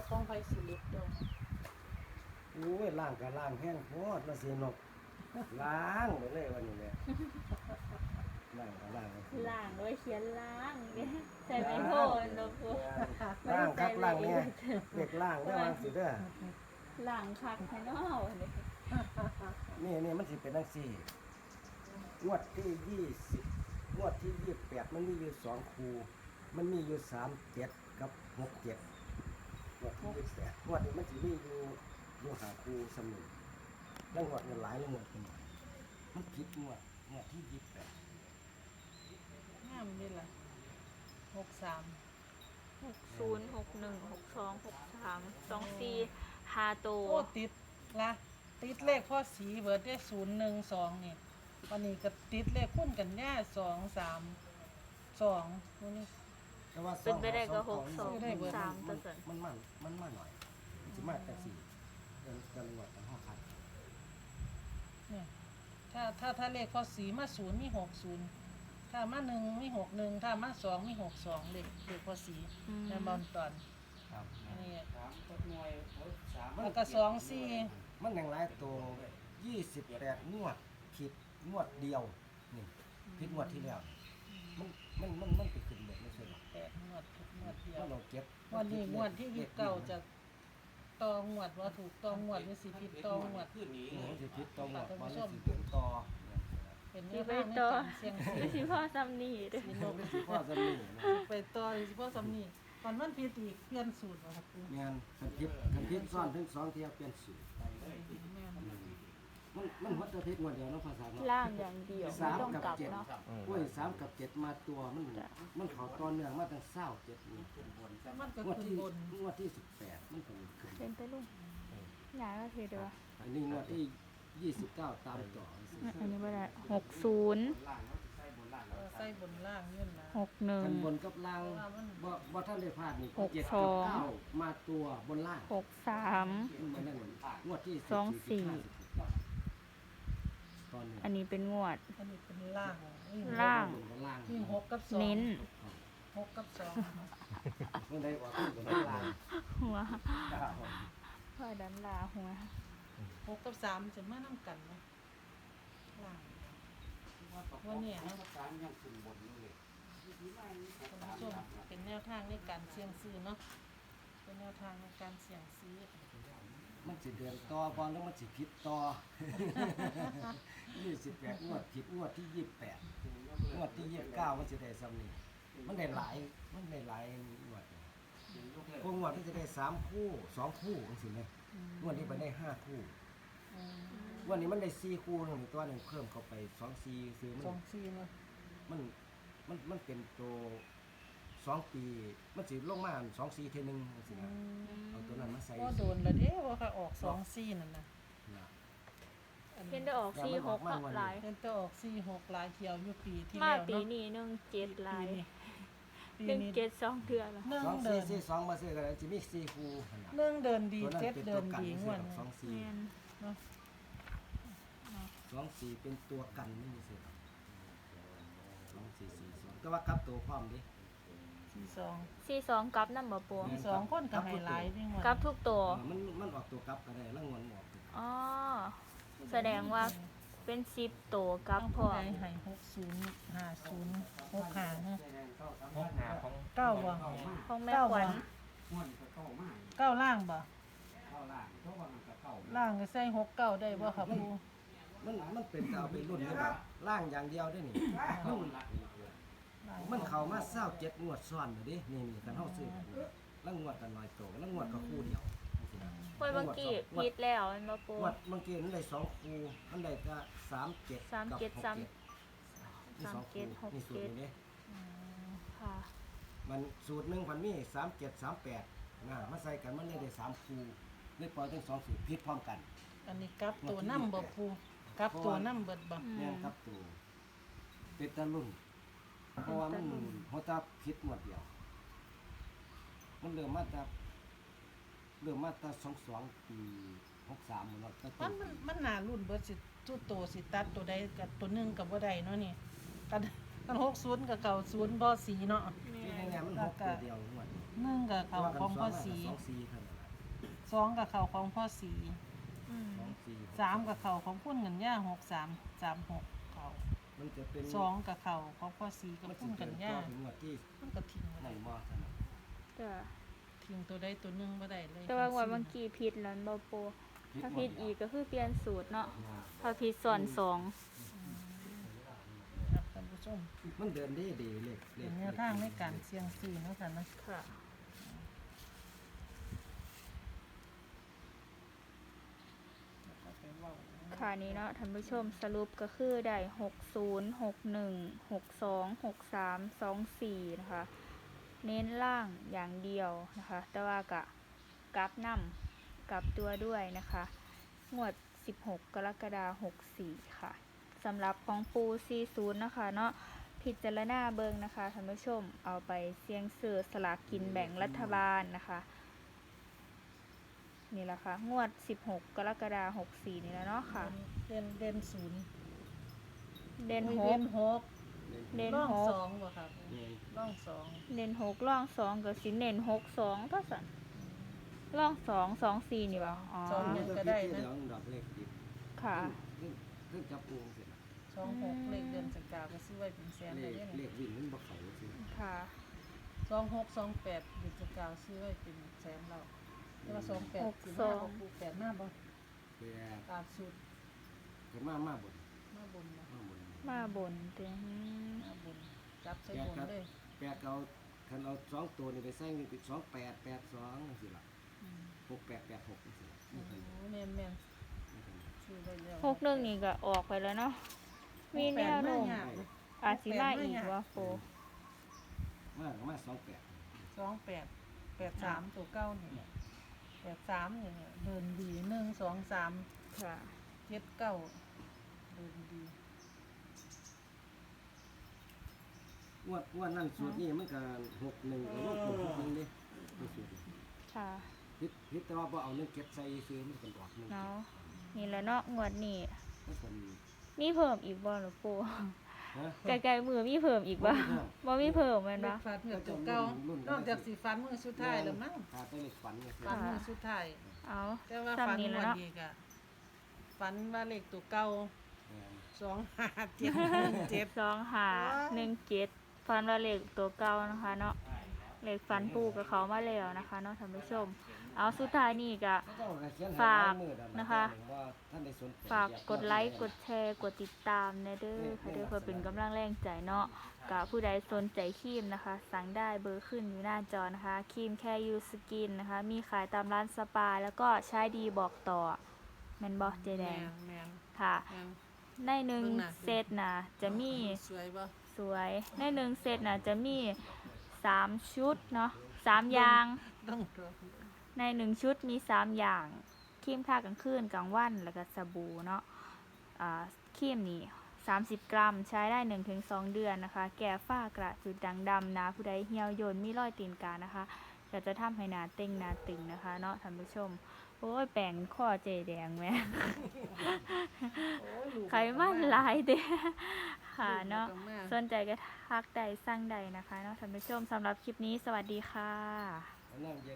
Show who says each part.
Speaker 1: ป้องไฟสิลิตเด้อ
Speaker 2: โอ้ยล่างกับล่างแห้งโพดมาเสียนกล้างไปเลยวันนี้เนี่ยล่างกับล่าง
Speaker 3: ล่างด้วยเขียนล่างเนี่ยใส่ไม่โทนเนาะปู
Speaker 2: ล่างครับล่างเนี่ยเด็กล่างได้วางสิเด้อ
Speaker 3: ล่างคักให้เนาะเนี่ย
Speaker 2: นี่มันสิเป็นจังซี่งวดที่20งวดที่28มันมีอยู่2คู่มันมีอยู่37กับ67งวดที่28งวดนี้มันสิมีอยู่5คู่เสมอแล้วงวดมันหลายแล้วงวดเป็นมันผิดงวดที่28
Speaker 1: งามนี่ล่ะ63
Speaker 3: 60 61 62 63 24 5โต
Speaker 1: โอ้ติดละติดเลขพ่อสีเบิดได้012นี่วันนี้ก็ติดเลขคุ้นกันแน่232มื้อนี้
Speaker 2: แต่ว่า
Speaker 3: เป็นไปได้ก็
Speaker 2: 2
Speaker 3: 62 63ตัวส่วน
Speaker 2: มันมาหน่อยมันสิมาจาก4กันงวดกัน5คัน
Speaker 1: เนี่ยถ้าเลขพ่อสีมา0มี60ถ้ามา1มี61ถ้ามา2มี62เลขพ่อสีในบอลตอน
Speaker 2: ครับ
Speaker 1: อันนี้
Speaker 2: มัน
Speaker 1: แล้วก็24
Speaker 2: มันอย่างไรตัว28งวดผิดงวดเดียวนี่ผิดงวดที่แล้วมันไปขึ้นหมดไม่ใช่หรอ
Speaker 1: 8งวดเดียว
Speaker 2: มันเราเก็บ
Speaker 1: วันนี้งวดที่29จะต่องวดว่าถูกต่องวดหรือสิผิดต่องวด
Speaker 2: มันสิผิดต่องวดมันสิเป็นต่อ
Speaker 1: เป็น
Speaker 3: สิ
Speaker 1: เรื่อง
Speaker 3: ไป
Speaker 1: ใน
Speaker 3: ต่อ
Speaker 1: การเสี่ยงซื้อ
Speaker 3: สิพ่อซ้ำนี่เด้อ
Speaker 2: มันสิพ่อจะมีนะ
Speaker 1: ไปต่อสิพ่อสำนีก่อนมันผิดอีกเปลี่ยนสูตรบ่ครับครู
Speaker 2: แม่นคันผิดซ้อนถึง2เที่ยวเปลี่ยนสูตร
Speaker 1: แม่น
Speaker 2: มันหัวจะผิดงวดเดียวเนาะภาษาเนาะ
Speaker 3: ล่างอย่างเดียวไม่ต้องกลับเนาะ
Speaker 2: โอ้ย3กับ7มาตัวมันเข้าตอนเนื่องมาตั้ง27นี่
Speaker 1: มันก็
Speaker 2: งวด
Speaker 1: ขึ้น
Speaker 2: ที่
Speaker 1: บน
Speaker 2: งวดที่18มันก็ขึ้น
Speaker 3: เป็นไปลุงหยาก็คือเด้อ
Speaker 2: อันนี้งวดที่29ตามต่อสิ
Speaker 3: อันนี้บ่ได้60
Speaker 1: ใส่บนล่างยื่นนะ
Speaker 2: กันบ
Speaker 3: 61
Speaker 2: นกับล่างบ่ท่านได้พลาดนี่
Speaker 3: หก
Speaker 2: 7
Speaker 3: ส
Speaker 2: กับ
Speaker 3: อง
Speaker 2: 9มาตัวบนล่าง
Speaker 3: 63
Speaker 2: มันนั่นงวดที่
Speaker 3: สองสี่
Speaker 2: ตอนนี้
Speaker 3: อันนี้เป็นงวด
Speaker 1: อันนี้เป็นล่างวิ่ง
Speaker 3: ล่าง
Speaker 2: บนล่าง
Speaker 1: วิ่ง6กับ2
Speaker 3: เน้น
Speaker 1: 6กับ2
Speaker 2: มันได้ว่าบนล่าง
Speaker 3: หัวพ่อดันลาหัว
Speaker 1: 6กับ3จะมานํกันเนาะล่างวันนี้เนาะคุณผู้ชมเป็นแนวทางในการเสี่ยงซื้อเนาะเป็นแนวทางในการเสี่ยงซื้อ
Speaker 2: มันสิเดือนต่อบ่แล้วมันสิผิดต่อ 28งวดผิดงวดที่28งวดที่29มันสิได้ซ้ำนี่มันได้หลายงวดพวกงวดมันจะได้3คู่2คู่จังซี่แหมงวดนี้ไปได้5คู่ วันนี้มันได้4คู่นึงตัวหนึงเพิ่มเข้าไป2 4ซื้อ
Speaker 1: 2-4เนาะ
Speaker 2: มันเป็นตัว2ปีมันสิลงมา2 4เท่อนึงจังซี่นะเอาตัวนั้นมาใส่
Speaker 1: บ่โดนแล้วเด้ว่าค่ะออก2-4นั่นน่ะ
Speaker 2: นะ
Speaker 3: เห็นได้ออก46ก็หลาย
Speaker 1: เห็นแต่ออก4-6หลายเที่ยวอยู่ปีที่
Speaker 3: มา
Speaker 1: แล้ว
Speaker 3: ปี
Speaker 1: เนาะ
Speaker 3: นี้17หลาย
Speaker 1: ปี
Speaker 3: เป็น
Speaker 1: นี้
Speaker 3: 72เดือนแล้ว
Speaker 1: หนึ่ง
Speaker 2: 2
Speaker 1: เดิน
Speaker 2: 4 4 2มาซื้อกันสิมี4คู่หั่นน่ะ
Speaker 1: หนึ่งเดินดี
Speaker 2: ตัวนั้น
Speaker 1: เจ็ด
Speaker 2: เป็น
Speaker 1: เดิ
Speaker 2: ตัวน กัน
Speaker 1: ดีง
Speaker 2: ซื้
Speaker 1: ว
Speaker 2: อ
Speaker 1: ด
Speaker 2: ดอก
Speaker 3: แม่น
Speaker 1: เนาะ
Speaker 2: 2 4เป็นตัวกันไม่มีซื้อดอก2 4 4 2แต่ว่ากลับตัวพร้อมดิ
Speaker 1: 42
Speaker 3: 42กลับนำบ่ปู
Speaker 1: 2คนก็ให้หลายนี่งวด
Speaker 3: กลับทุกตัว
Speaker 2: มันออกตัวกลับก็ได้แล้วงวนออกตัว
Speaker 3: อ๋อแสดงว่าเป็น10ตัวกลับ
Speaker 1: ทั้ง
Speaker 3: พ
Speaker 1: ผู้
Speaker 3: ร้อ
Speaker 1: ใด
Speaker 3: ม
Speaker 1: ให้60 50 65เนาะ
Speaker 4: ห้องหาของ
Speaker 1: เก้าบ่
Speaker 3: ของแม่ขวัญ
Speaker 4: ม่วนก็เข้ามาก
Speaker 1: เก้าล่างบ่
Speaker 4: เข้าล่างเพราะว่ามันก็เข้า
Speaker 1: ล่างก็ใส่69ได้บ่ครับครู
Speaker 2: มันเป็นเอาไปรุ่นนี่แบบล่างอย่างเดียวได้นี่
Speaker 4: เข้าละนี่คือ
Speaker 1: ล่าง
Speaker 2: มันเข้ามา27งวดซ้อนอยู่ดินี่กันเฮาซื้อกันแล้วงวดกันน้อยโตแล้วงวดก็คู่เดียว
Speaker 3: เฮ้ยเมื่อกี้ผิดแล้วแม่นบ่ปู
Speaker 2: งวดเมื่อกี้มันได้2คู่มันได้ก็37
Speaker 3: 37
Speaker 2: กับ67นี่สองคู่
Speaker 3: 37
Speaker 2: นี่สูตรนี้
Speaker 3: ค่ะ
Speaker 2: มันสูตรหนึงมันมี37 38นะมาใส่กันมันเลยได้3คู่เลยปล่อยทั้ง2สูตรผิดพร้อมกัน
Speaker 1: อันนี้กลับตัวนำบ่ครูกลับตัวนำเบิดบ่
Speaker 2: แม่นครับตัวเป็นตะลุ่นเพราะว่ามันหัวตาผิดหมดเดียว มันเริ่มมาจาก22ปี63หมดแล้วตั้งแต่
Speaker 1: มันน่ารุ่นเบิดสิตู้โตสิตัดตัวใดกับตัวหนึงก็บ่ได้เนาะนี่กัน60กับ90บ่สีเนาะ
Speaker 2: ที่แน่ๆมัน6ตัวเดียวงวดนี้
Speaker 1: 1กับเขาของพ่อสี
Speaker 2: สองสี่เท่านั้นล่ะ
Speaker 1: 2กับเขาของพ่อสี
Speaker 3: อืม
Speaker 2: สองสี่
Speaker 1: 3กับเขาของพุ่นกันย่า6336เขา
Speaker 2: มันจะเป็น
Speaker 1: 2กับเขาของพ่อสีกับ
Speaker 2: มัน
Speaker 1: พุ่น
Speaker 2: จะ
Speaker 1: กั
Speaker 2: เป็น น
Speaker 1: ย่า
Speaker 2: ถึงงวดที่
Speaker 1: มันก็ทิ้ง
Speaker 2: นั่
Speaker 1: ไว้
Speaker 2: นบ่เท่านั้น
Speaker 3: จ้ะ
Speaker 1: ทิ้งตัวใดตัวหนึงบ่ได้เลย
Speaker 3: แต่ว่างวดเมื่อกี้ผิดแล้วบ่ปูถ้าผิดอีกก็คือเปลี่ยนสูตรเนาะถ้าผิดส่วนสอง
Speaker 1: ครับท่านผู้ชม
Speaker 2: มันเดินได้ดีเลข
Speaker 1: เป็นแนวทางในการเสี่ยงซื้อเนาะค่ะนะ
Speaker 3: ค่ะ
Speaker 1: แล้วก็ไปเว้า
Speaker 3: ค่ะนี้เนาะท่านผู้ชมสรุปก็คือได้60 61 62 63 24นะคะเน้นล่างอย่างเดียวนะคะ แต่ว่ากะกลับนำกลับตัวด้วยนะคะงวด16 กรกฎาคม64ค่ะสำหรับของปู40นะคะเนาะพิจารณาเบิงนะคะท่านผู้ชมเอาไปเสี่ยงซื้อสลากกินแบ่งรัฐบาลนะคะนี่แหละค่ะงวด16 กรกฎาคม64นี่แล้วเนาะค่ะ
Speaker 1: เด่นศูนย์
Speaker 3: เด่น
Speaker 1: เด่น
Speaker 3: 6
Speaker 1: หก
Speaker 3: เด่น
Speaker 1: ร่อง
Speaker 3: 6
Speaker 1: สองบ่ครับร่องสอง
Speaker 3: เน้น6ร่อง2กับสิเน้น6 2ก็สั่นร่อง2 2 4นี่บ่อ๋อ
Speaker 2: มันก็ได้นะดอกเลขติด
Speaker 3: ค่ะ
Speaker 2: เรื่องจับปูเสร็จแล้ว
Speaker 1: 26เลขเดือนสกาวก็ซื้อไว้เป็นแสน
Speaker 2: เล
Speaker 1: ได้
Speaker 2: ข
Speaker 1: เด้
Speaker 2: เล
Speaker 1: นี่
Speaker 2: ขวิ่งมันบ่เข้าสิ
Speaker 3: ค่ะ
Speaker 1: 2628เดือนสกาวซื้อไว้เป็นแสนแล้วแต่ว่า28สิมาบ่ปู8มาบ่
Speaker 2: แต่
Speaker 1: ตามสูตร
Speaker 2: ก็มาบน
Speaker 1: มาบนบ่
Speaker 3: มาบนเต็ม
Speaker 1: มาบนจับใส่บนเลย
Speaker 2: แปดเอาคันเอา2ตัวนี่ไปใส่นี่เป็น2882จังซี่ล่ะ
Speaker 1: อืม
Speaker 2: 6886จังซี่ล่ะ
Speaker 1: โอ้
Speaker 2: นี่
Speaker 1: โห
Speaker 2: เพิ่น
Speaker 1: แม่น
Speaker 2: นี่เพิ่น
Speaker 1: ๆซื้อไว้แล้ว
Speaker 3: 61นี่ก็ออกไปแล้วเนาะมีแนวโน้มอาจสิมาอีกว่าโฟ
Speaker 2: มา28
Speaker 1: 2883ตัวเก้านี่83นี่เดินดี1 2 3
Speaker 3: ค่ะ
Speaker 1: 7 9เดินดี
Speaker 2: ว่านั่นสูตรนี้มันก็61ก็ลบ61นี่นี่สูตรนี้
Speaker 3: ค่ะ
Speaker 2: พิดแต่ว่าบ่เอา1 7ใส่ซื้อมันก็ดอกนึง
Speaker 3: เนาะนี่แหละเนาะงวดนี้
Speaker 2: มันก็
Speaker 3: มีเพิ่มอีกบ่หรอปู
Speaker 2: ฮะ
Speaker 3: ไกลๆมือมีเพิ่มอีกบ่บ่มีเพิ่มแม่น
Speaker 1: เล
Speaker 3: บ่
Speaker 1: ขฟันเหมือนตัวเก่านอกจากสีฟันมือสุดท้ายแล้วมั้ง
Speaker 2: ถ้าไปเลขฝันก็คือ
Speaker 1: ฟันมือสุดท้าย
Speaker 3: เอา
Speaker 1: แต่ว่า
Speaker 3: ซ้ำ
Speaker 1: ฟัน
Speaker 3: นี้
Speaker 1: ง
Speaker 3: แล้ว
Speaker 1: วด
Speaker 3: เนาะ
Speaker 1: อีกอะฟันว่าเลขตัวเก่า
Speaker 2: แม่น
Speaker 1: 2577
Speaker 3: 2517ฟันว่าเลขตัวเก่านะคะเนาะเลขฟันปูกับเขามาแล้วนะคะเนาะท่านผู้ชม เอาสุดท้ายนี่ก็
Speaker 2: เขาเจ้าก็เขียนให้
Speaker 3: ฝาก
Speaker 2: ลยมือดำ
Speaker 3: นะคะ
Speaker 2: ว่าท่านได้สนใจ
Speaker 3: ฝากกดไลค์กดแชร์กดติดตามนะเด้อค่ะเด้อเพื่อเป็นกำลังแรงใจเนาะกับผู้ใดสนใจครีมนะคะ สั่งได้เบอร์ขึ้นอยู่หน้าจอนะคะครีมแค่ยูสกินนะคะ มีขายตามร้านสปาแล้วก็ใช้ดีบอกต่อแมนบอกเจแดง
Speaker 1: แม่น
Speaker 3: ค่ะ
Speaker 1: แม่น
Speaker 3: ในหนึ่ง
Speaker 1: เบิ่งหน้า
Speaker 3: เซตนะจะมี
Speaker 1: สวยบ่
Speaker 3: สวยในหนึ่งเซตนะจะมี3ชุดเนาะ3อย่าง
Speaker 1: ต้องตัว
Speaker 3: ใน1ชุดมี3อย่างครีมทากลางคืนกลางวันแล้วก็สบู่เนาะครีมนี่30 กรัมใช้ได้ 1-2 เดือนนะคะ แก้ฝ้ากระจุดด่างดำนะผู้ใดเหี่ยวย่นมีรอยตีนกานะคะก็จะทำให้หนาเต่งหนาตึงนะคะเนาะท่านผู้ชมโอ้ยแป้งข้อเจแดงแม่
Speaker 1: โอ้ยลูก
Speaker 3: ไขมันหลายเด้ ค่ะเนาะ
Speaker 1: ลูกก็ม
Speaker 3: สนใจก็ทักใดสั่งใดนะคะเนาะท่านผู้ชมสำหรับคลิปนี้สวัสดีค่ะ
Speaker 2: อันนั้นเย็น